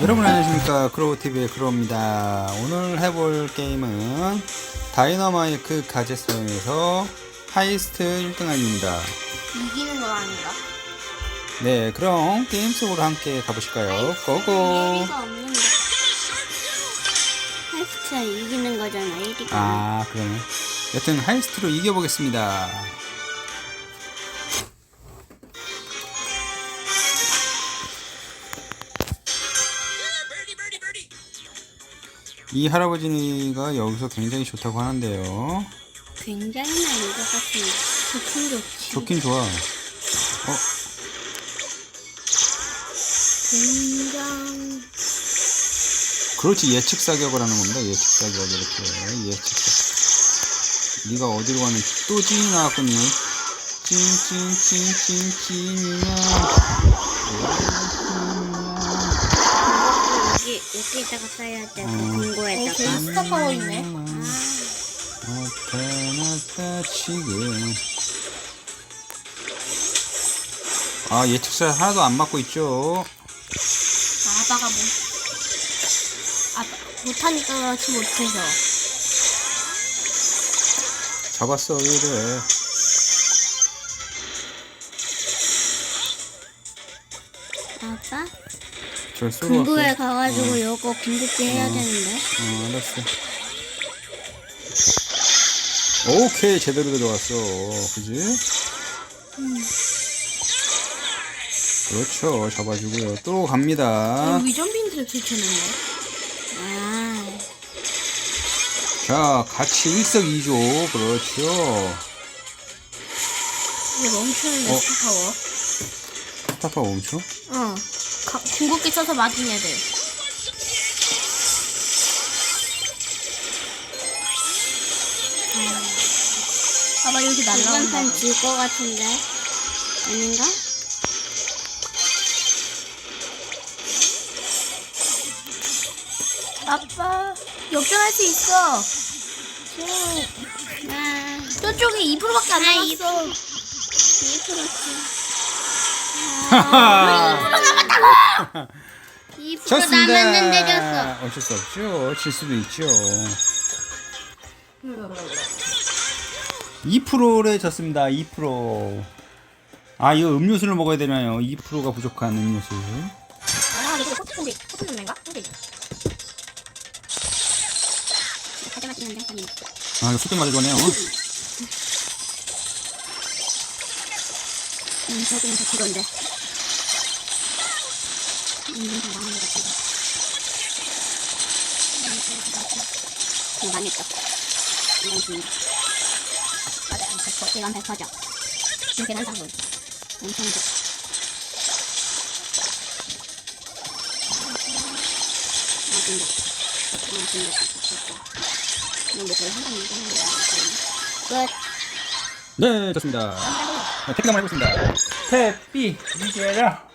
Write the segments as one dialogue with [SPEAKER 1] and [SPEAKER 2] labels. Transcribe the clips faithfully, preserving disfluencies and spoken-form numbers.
[SPEAKER 1] 여러분 안녕하십니까, 크로우티비의 크로우입니다. 오늘 해볼 게임은 다이너마이크 가젯 사용해서 하이스트 일 등 하기입니다.
[SPEAKER 2] 이기는 건 아닌가?
[SPEAKER 1] 네, 그럼 게임 속으로 함께 가보실까요? 고고!
[SPEAKER 2] 예비가 없는데 하이스트가 이기는 거잖아. 일 위가
[SPEAKER 1] 아, 그러네. 여튼 하이스트로 이겨보겠습니다. 이 할아버지가 여기서 굉장히 좋다고 하는데요.
[SPEAKER 2] 굉장히나 이거 같은데 좋긴 좋지.
[SPEAKER 1] 좋긴 좋아. 어,
[SPEAKER 2] 굉장
[SPEAKER 1] 그렇지. 예측 사격을 하는 겁니다. 예측 사격. 이렇게 예측 사격. 네가 어디로 가는지 또 찐이 나왔군요. 찐찐찐찐찐이야.
[SPEAKER 2] 여기 여기다가 써야 돼. 그
[SPEAKER 1] 음.
[SPEAKER 2] 공고에다가.
[SPEAKER 3] 어, 되게 스타 파워 있네.
[SPEAKER 1] 나타났다 지금. 아, 예측사 하나도 안 맞고 있죠.
[SPEAKER 3] 아빠가 뭐, 아빠 못하니까 그렇지 못해서.
[SPEAKER 1] 잡았어. 왜 이래.
[SPEAKER 2] 아빠
[SPEAKER 1] 절 쏘러
[SPEAKER 2] 공고에
[SPEAKER 1] 갈게.
[SPEAKER 2] 가가지고
[SPEAKER 1] 어.
[SPEAKER 2] 요거 궁극기 해야
[SPEAKER 1] 어.
[SPEAKER 2] 되는데.
[SPEAKER 1] 어, 알았어. 오케이, 제대로 들어갔어. 그지?
[SPEAKER 2] 음.
[SPEAKER 1] 그렇죠. 잡아주고요. 또 갑니다.
[SPEAKER 3] 위전 빈트를 들켰는데.
[SPEAKER 2] 아
[SPEAKER 1] 자, 같이 일석이조. 그렇죠.
[SPEAKER 3] 이거 멈추는데
[SPEAKER 1] 어.
[SPEAKER 3] 스타 파워.
[SPEAKER 1] 스타파 멈춰?
[SPEAKER 3] 어. 가, 궁극기 써서 맞은 애들. 아빠 여기
[SPEAKER 2] 이번
[SPEAKER 3] 날라온다.
[SPEAKER 2] 판 질 것 같은데 아닌가?
[SPEAKER 3] 아빠 역전할 수 있어.
[SPEAKER 2] 아
[SPEAKER 3] 저쪽에 이 퍼센트밖에 안
[SPEAKER 2] 아,
[SPEAKER 3] 남았어.
[SPEAKER 2] 이 퍼센트
[SPEAKER 1] 하하!
[SPEAKER 2] 이 퍼센트 남았는데 졌어.
[SPEAKER 1] 어쩔 수 없죠. 질 수도 있죠. 이 퍼센트에 졌습니다. 이 퍼센트. 아, 이거 음료수를 먹어야 되나요? 이 퍼센트가 부족한 음료수.
[SPEAKER 3] 아, 이거 코트인데 코트 넣는가? 근데
[SPEAKER 2] 가져마 찍는데 아니
[SPEAKER 1] 아, 이거 수평 맞아주네요.
[SPEAKER 2] 음 저기는 더 그건데 음 다 망한 것 같은데 음 망했어 이건 진짜 맞아 백 퍼센트 이건 백 퍼센트죠 이렇게 난 상품 엄청 좋아 아 진짜 아 진짜 이건 뭐 거의 한 방에 끝
[SPEAKER 1] 네, 좋습니다. 자, 태피 한번 해보겠습니다. 태피, 이겨라.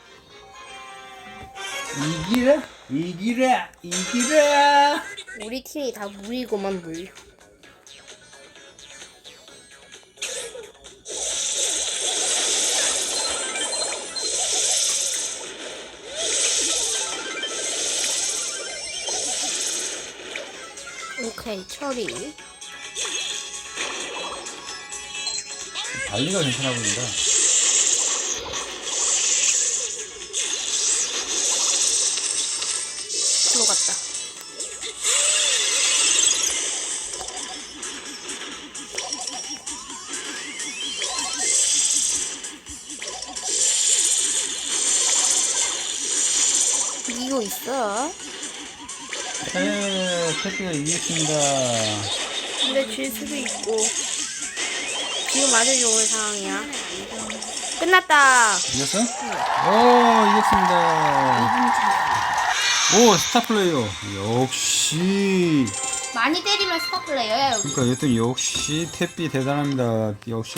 [SPEAKER 1] 이기라, 이기라, 이기라.
[SPEAKER 3] 우리 팀이 다 물이고만 물. 오케이 처리.
[SPEAKER 1] 발리가 괜찮아 보인다.
[SPEAKER 3] 들어갔다. 이기고 있어.
[SPEAKER 1] 네, 태피가 이겼습니다.
[SPEAKER 3] 근데 질 수도 있고. 지금 아주 좋은 상황이야. 끝났다.
[SPEAKER 1] 이겼어? 오, 이겼습니다. 오, 스타 플레이어. 역시.
[SPEAKER 3] 많이 때리면 스타 플레이어야 여기.
[SPEAKER 1] 그러니까 여튼 역시 태피 대단합니다. 역시.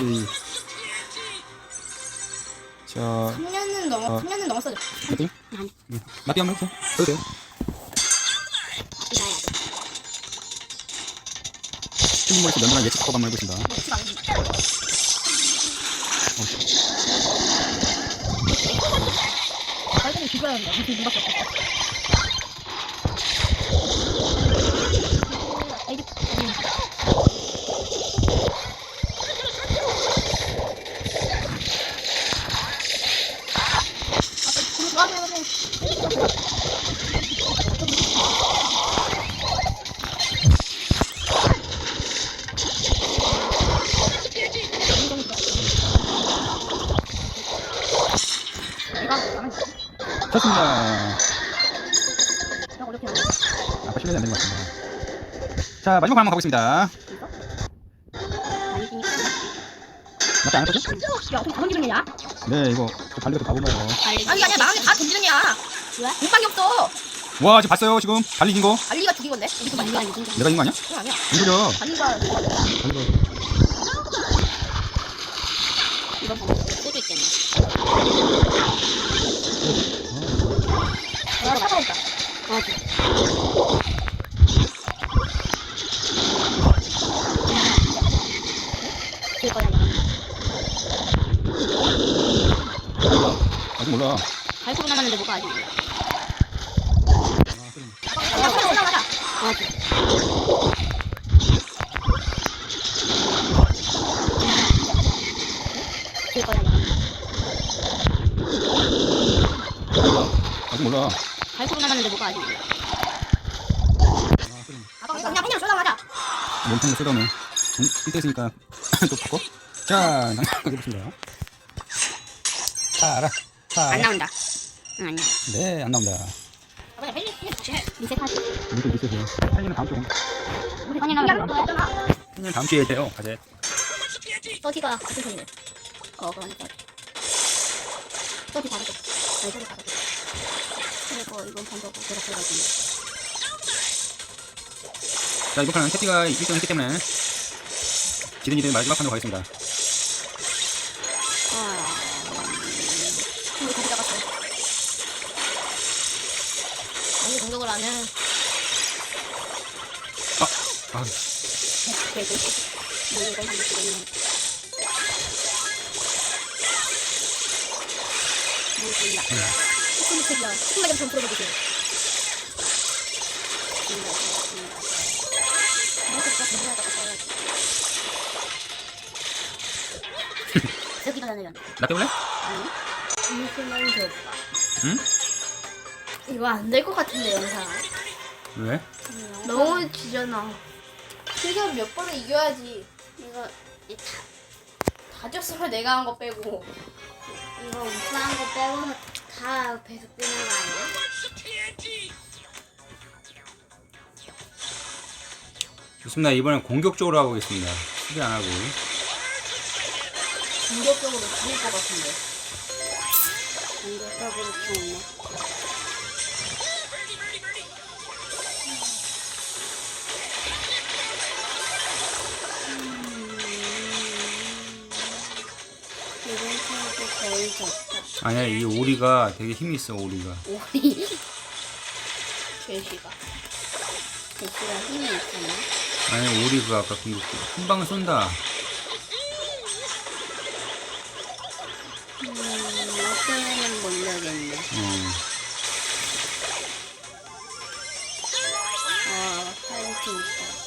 [SPEAKER 1] 자,
[SPEAKER 3] 삼 년은 넘어.
[SPEAKER 1] 어.
[SPEAKER 3] 삼 년은 넘었어.
[SPEAKER 1] 태피? 응. 나비 한번 해보세요. 해도 돼요.
[SPEAKER 2] 이가야 돼
[SPEAKER 1] 친구분에서 면면한 예측 법 한번 해보신다.
[SPEAKER 3] 빨리 죽여야 한다. 무슨 눈밖에 없어.
[SPEAKER 1] 쳤습니다.
[SPEAKER 2] 너 어렵게 하네.
[SPEAKER 1] 아까 실력이 안 되는 것 같습니다. 자, 마지막 판 한번 가보겠습니다.
[SPEAKER 2] 많이 뛰니까.
[SPEAKER 1] 맞지 않았거든?
[SPEAKER 2] 야, 어떻게 다 던지는 야?
[SPEAKER 1] 네, 이거 그 달리가 또 가본가요?
[SPEAKER 2] 달리기.
[SPEAKER 3] 아니 아니야 나한테 다 던지는 애야.
[SPEAKER 2] 왜?
[SPEAKER 3] 공방이 없어.
[SPEAKER 1] 와, 지금 봤어요, 지금? 달리긴 거?
[SPEAKER 3] 알리가 죽인 건데.
[SPEAKER 2] 이거 말리가 아니지.
[SPEAKER 1] 내가 이긴 거 아니야?
[SPEAKER 3] 그건 아니야.
[SPEAKER 1] 이거죠?
[SPEAKER 3] 알리가
[SPEAKER 1] 달리가.
[SPEAKER 2] 이거 보고 소주 있겠네.
[SPEAKER 3] 아 차가웠다.
[SPEAKER 2] 어, 그래. 줄 거야.
[SPEAKER 1] 아직 몰라.
[SPEAKER 2] 발코로 나갔는데 뭐가 아직 몰라.
[SPEAKER 3] 야 그래 올라가자.
[SPEAKER 2] 어, 그래. 줄 거야.
[SPEAKER 1] 아직 몰라.
[SPEAKER 2] 발코로 나갔는데 뭐가 아직 몰라.
[SPEAKER 3] 아까 그냥 그냥 올라가자.
[SPEAKER 1] 몸통을 쏟아오네. 일 대 있으니까 또 바꿔. 자, 해보겠습니다. 자, 알아. 자,
[SPEAKER 2] 안
[SPEAKER 1] 알아.
[SPEAKER 2] 나온다. 응, 아니야.
[SPEAKER 1] 네, 안 나옵니다.
[SPEAKER 3] 그냥 헬리 다시 해.
[SPEAKER 2] 리셋하지.
[SPEAKER 1] 이거 있으세요. 팬이는 다음 주.
[SPEAKER 2] 아니, 나는
[SPEAKER 3] 야 했잖아.
[SPEAKER 1] 팬이는 다음 주에 돼요, 과제.
[SPEAKER 2] 서지가 같은 편이네. 어, 그러니까. 서지 다르죠. 아니, 서지 다르죠. 그리고 이건 반대고 그렇게 해가지고.
[SPEAKER 1] 자, 이번 판은 태티가 일 등 했기 때문에 지든 이든 마지막 판으로 가겠습니다.
[SPEAKER 2] 아, 우리 거기 나갔어. 아니, 공격을 안 해.
[SPEAKER 1] 아,
[SPEAKER 2] 계속. 뭐 이런 거 있네. 뭐 있냐. 무슨 색이야. 한마디 좀 풀어보세요. 여기가 나는
[SPEAKER 1] 나 때문에?
[SPEAKER 3] 잠시만 더.
[SPEAKER 1] 응?
[SPEAKER 3] 이거 안 될 것 같은데 영상.
[SPEAKER 1] 왜?
[SPEAKER 3] 너무 지잖아. 그래서 몇 번을 이겨야지.
[SPEAKER 2] 이거 이 다,
[SPEAKER 3] 다 졌으면 내가 한 거 빼고.
[SPEAKER 2] 이거 우승한 거 빼고 다 배속 뜨는 거 아니야?
[SPEAKER 1] 좋습니다. 이번엔 공격적으로 하고겠습니다. 수비 안 하고.
[SPEAKER 3] 공격적으로 죽일 것 같은데.
[SPEAKER 2] 공격적으로 키우네. 이번 타도 거의 졌다.
[SPEAKER 1] 아니야, 이 오리가 되게 힘이 있어, 오리가.
[SPEAKER 2] 오리
[SPEAKER 3] 제시가.
[SPEAKER 2] 대시가 힘이 있잖아.
[SPEAKER 1] 아니, 오리가 아까 공격 한 방을 쏜다.
[SPEAKER 2] 음, 어쩌면은 모르겠네.
[SPEAKER 1] 어.
[SPEAKER 2] 어, 파이팅 있다.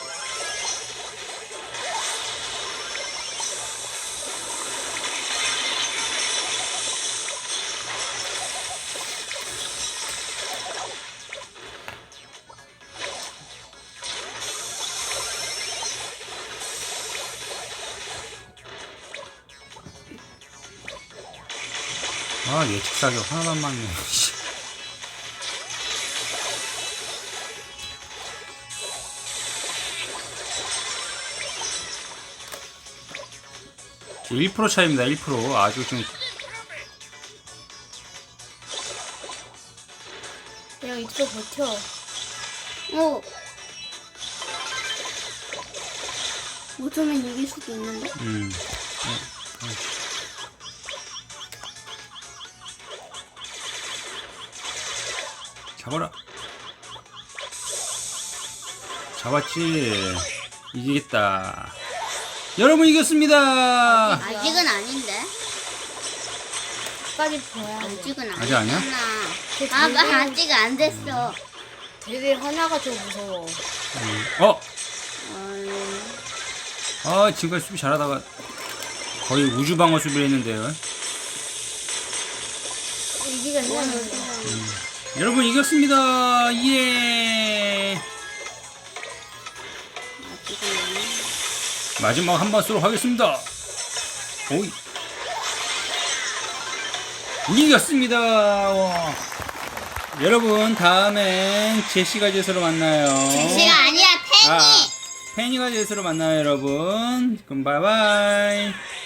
[SPEAKER 1] 아, 예측 사격 하나도 안 맞네. 씨. 일 퍼센트 차이입니다. 일 퍼센트. 아주 좀
[SPEAKER 3] 그냥 이쪽 버텨.
[SPEAKER 2] 오! 못하면 이길 수도 있는데?
[SPEAKER 1] 음. 잡아라. 잡았지. 이기겠다. 여러분 이겼습니다.
[SPEAKER 2] 아직은 아닌데?
[SPEAKER 3] 끝까지 봐야 돼.
[SPEAKER 2] 아직은
[SPEAKER 1] 아직 아니야?
[SPEAKER 2] 아니야? 아가 아직 안 됐어.
[SPEAKER 3] 되게 하나가 좀 무서워.
[SPEAKER 1] 음. 어?
[SPEAKER 2] 어,
[SPEAKER 1] 아, 지금까지 수비 잘하다가 거의 우주방어 수비를 했는데요.
[SPEAKER 3] 이기겠네.
[SPEAKER 1] 여러분 이겼습니다. 예.
[SPEAKER 2] 아직은 아니야.
[SPEAKER 1] 마지막 한 번 쏘도록 하겠습니다. 오이. 이겼습니다. 와. 여러분 다음엔 제시가 제스로 만나요.
[SPEAKER 2] 제시가 아니야, 팬이.
[SPEAKER 1] 아, 페니가 제스로 만나요, 여러분. 그럼 바이바이.